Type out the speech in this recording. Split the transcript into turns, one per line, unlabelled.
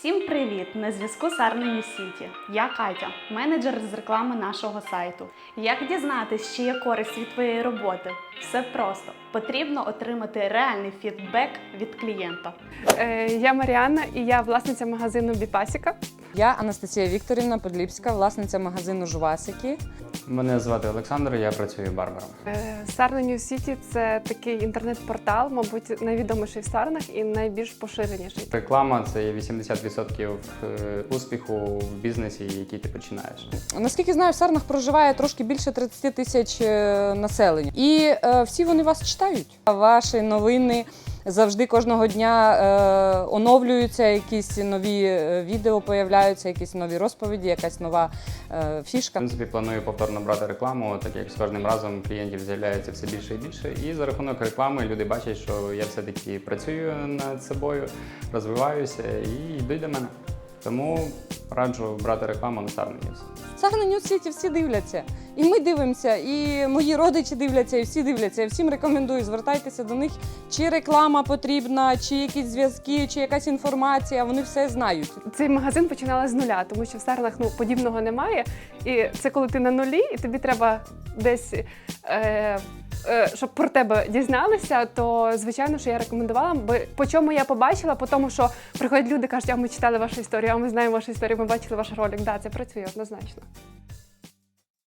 Всім привіт! На зв'язку Сарна Ньюсіті. Я Катя, менеджер з реклами нашого сайту. Як дізнатись, чи є користь від твоєї роботи? Все просто. Потрібно отримати реальний фідбек від клієнта.
Я Маріанна і я власниця магазину Біпасіка.
Я Анастасія Вікторівна Подліпська, власниця магазину Жвасики.
Мене звати Олександр, я працюю барбером.
Сарна Ньюсіті – це такий інтернет-портал, мабуть, найвідоміший в Сарнах і найбільш поширеніший.
Реклама – це є 80% успіху в бізнесі, який ти починаєш.
Наскільки знаю, в Сарнах проживає трошки більше 30 тисяч населення. І всі вони вас читають. Ваші новини завжди кожного дня оновлюються, якісь нові відео появляються, якісь нові розповіді, якась нова фішка.
В принципі, планую повторно брати рекламу, так як з кожним разом клієнтів з'являється все більше і більше. І за рахунок реклами люди бачать, що я все-таки працюю над собою, розвиваюся і йдуть до мене. Тому раджу брати рекламу на Сарна Ньюс.
Сарна Ньюс-Сіті всі дивляться. І ми дивимося, і мої родичі дивляться, і всі дивляться. Я всім рекомендую, звертайтеся до них, чи реклама потрібна, чи якісь зв'язки, чи якась інформація, вони все знають.
Цей магазин починала з нуля, тому що в Сарнах подібного немає. І це коли ти на нулі, і тобі треба десь, щоб про тебе дізналися, то звичайно, що я рекомендувала. Бо по чому я побачила? По тому, що приходять люди, кажуть, а ми читали вашу історію, а ми знаємо вашу історію, ми бачили ваш ролик. Так, це працює однозначно.